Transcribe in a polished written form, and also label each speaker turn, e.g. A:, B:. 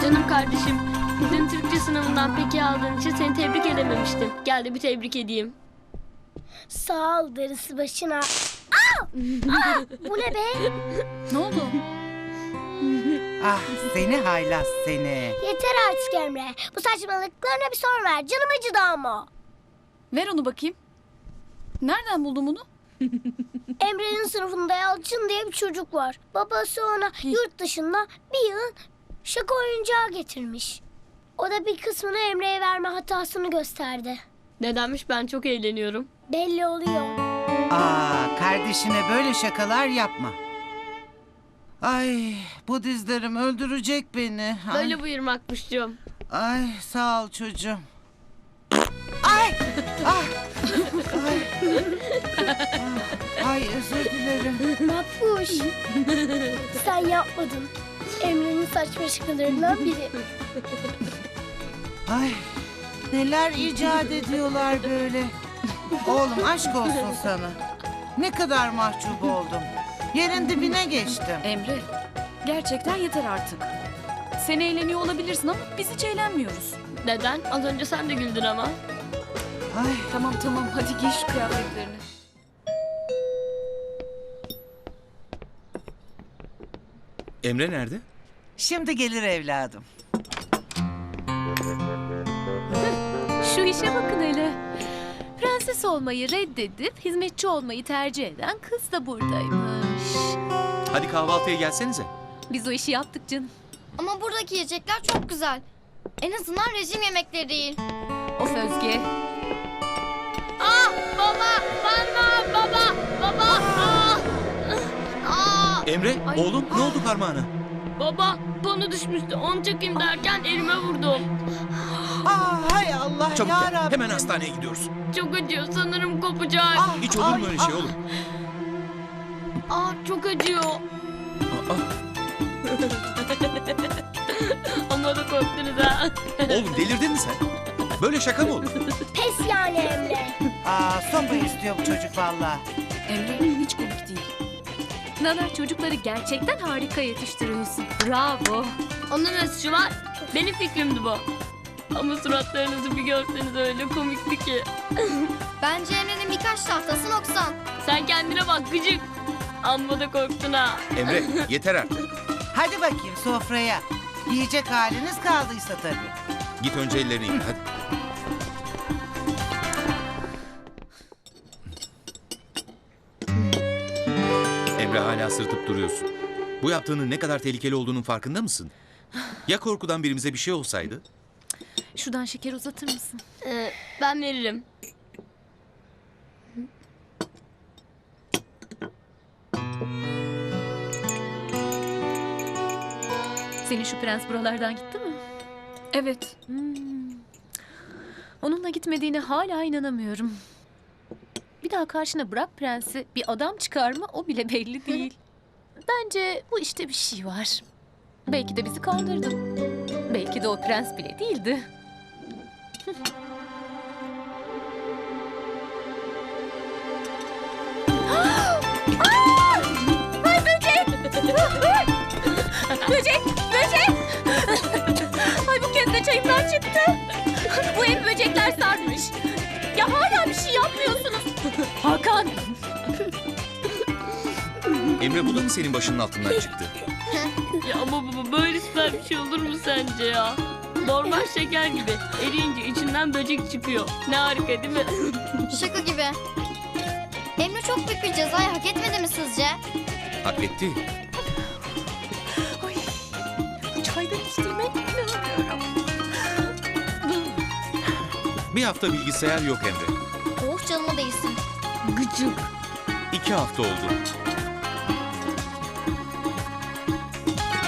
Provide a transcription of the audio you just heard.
A: Canım kardeşim, dün Türkçe sınavından peki aldığın için seni tebrik edememiştim. Gel de bir tebrik edeyim.
B: Sağ ol, darısı başına. Aa! Aa! Bu ne be?
C: Ne oldu?
D: Ah seni haylaz seni.
B: Yeter artık Emre. Bu saçmalıklarına bir son ver. Canım acıdı ama.
C: Ver onu bakayım. Nereden buldun bunu?
B: Emre'nin sınıfında Yalçın diye bir çocuk var. Babası ona yurt dışından bir yığın şaka oyuncağı getirmiş. O da bir kısmını Emre'ye verme hatasını gösterdi.
A: Nedenmiş, ben çok eğleniyorum.
B: Belli oluyor.
D: Aa kardeşine böyle şakalar yapma. Ay bu dizlerim öldürecek beni. Ay,
A: Böyle buyurmakmışcığım.
D: ay sağ ol çocuğum. Ay! Ah! Ay! Ah, ay özür dilerim.
B: Makbuş. Sen yapmadın. Emre'nin saçma şakalarından biri.
D: Ay neler icat ediyorlar böyle. Oğlum aşk olsun sana. Ne kadar mahcup oldum. Yerin dibine geçtim.
C: Emre, gerçekten yeter artık. Sen eğleniyor olabilirsin ama biz hiç eğlenmiyoruz.
A: Neden? Az önce sen de güldün ama.
D: Ay
C: Tamam hadi giy şu kıyafetlerini.
E: Emre nerede?
D: şimdi gelir evladım.
F: Şu işe bakın hele. Prenses olmayı reddedip hizmetçi olmayı tercih eden kız da buradaymış.
E: Hadi kahvaltıya gelsenize.
F: Biz o işi yaptık canım.
G: Ama buradaki yiyecekler çok güzel. En azından rejim yemekleri değil.
F: Of Özge.
E: Emre, oğlum ne oldu parmağına?
A: Baba, bana düşmüştü. Onu çekeyim derken elime vurdum.
D: Aa hay Allah
E: Çabuk
D: ya
E: gel,
D: Rabbim.
E: hemen hastaneye gidiyoruz.
A: Çok acıyor, sanırım kopacak.
D: Ah,
E: Hiç olur mu
D: ay,
E: öyle şey
D: ah.
E: oğlum?
A: Çok acıyor.
E: Aa,
A: Ama da korktunuz ha.
E: oğlum delirdin mi sen? Böyle şaka mı olur?
B: Pes yani Emre.
D: Aa sopa istiyor bu çocuk valla.
C: Emre, hiç komik değil.
F: Nana, çocukları gerçekten harika yetiştiriyorsun. Bravo.
A: Onun ne suçu var? Benim fikrimdi bu. Ama suratlarınızı bir görseniz öyle komikti ki.
G: Bence Emre'nin birkaç tahtası noksan.
A: Sen kendine bak gıcık. Amma da korktun ha.
E: Emre, yeter artık.
D: Hadi bakayım sofraya. Yiyecek haliniz kaldıysa tabii.
E: Git önce ellerini yıka hadi. Emre hala sırıtıp duruyorsun. Bu yaptığının ne kadar tehlikeli olduğunun farkında mısın? Ya korkudan birimize bir şey olsaydı?
F: Şuradan şeker uzatır mısın?
A: Ben veririm.
F: Senin şu prens buralardan gitti mi?
C: Evet,
F: Onunla gitmediğine hala inanamıyorum. Bir daha karşına bırak prensi, bir adam çıkar mı o bile belli değil. Bence bu işte bir şey var. Belki de bizi kandırdı. Belki de o prens bile değildi. Ay böcek! Böcek! Böcek! Ay bu kez de çayımdan çıktı. Bu ev böcekler sarmış. Ya hala bir şey yapmıyorsunuz. Hakan!
E: Emre bu da mı senin başının altından çıktı?
A: Ya ama baba, böyle süper bir şey olur mu sence ya? Normal şeker gibi. Eriyince içinden böcek çıkıyor. Ne harika değil mi?
G: Şaka gibi. Emre çok büyük bir cezayı hak etmedi mi sizce?
E: Hak etti.
F: Ay, bu çaydan içtiğime inanamıyorum.
E: Bir hafta bilgisayar yok Emre.
G: Oh canıma değsin.
A: Gıcık.
E: 2 hafta oldu.